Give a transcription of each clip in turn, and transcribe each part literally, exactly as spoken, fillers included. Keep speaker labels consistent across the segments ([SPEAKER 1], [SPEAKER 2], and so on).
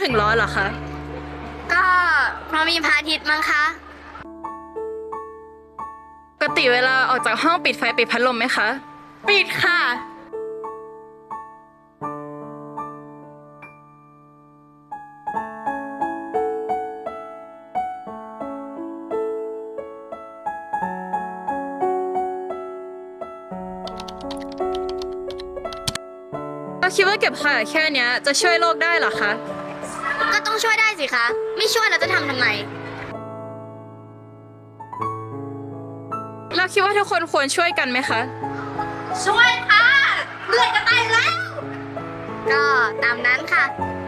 [SPEAKER 1] งร้อนเหรอคะ
[SPEAKER 2] ก็เพราะมีพระอาทิตย์มั้งคะ
[SPEAKER 1] ปกติเวลาออกจากห้องปิดไฟปิดพัดลมไหมคะ
[SPEAKER 2] ปิดค่ะ
[SPEAKER 1] เราคิดว่าเก็บขยะแค่เนี้ยจะช่วยโลกได้เหรอคะ
[SPEAKER 2] ก็ต้องช่วยได้สิคะไม่ช่วยเราจะทำทำไม
[SPEAKER 1] เราคิดว่าทุกคนควรช่วยกันไหมคะ
[SPEAKER 2] ช่วยค่ะเลือดจะตายแล้วก็ตามนั้นค่ะ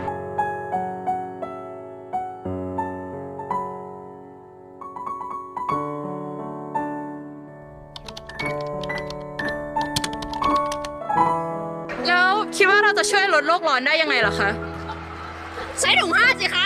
[SPEAKER 1] แล้วคิดว่าเราจะช่วยลดโลกร้อนได้ยังไงเหรอคะ
[SPEAKER 2] ใช้ถุงผ้าสิคะ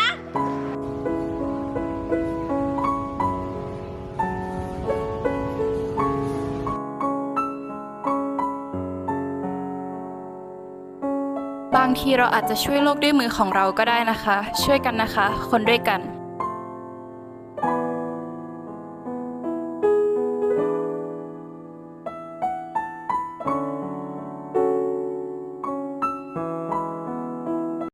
[SPEAKER 1] บางทีเราอาจจะช่วยโลกด้วยมือของเราก็ได้นะคะช่วยกันนะคะคนด้วยกัน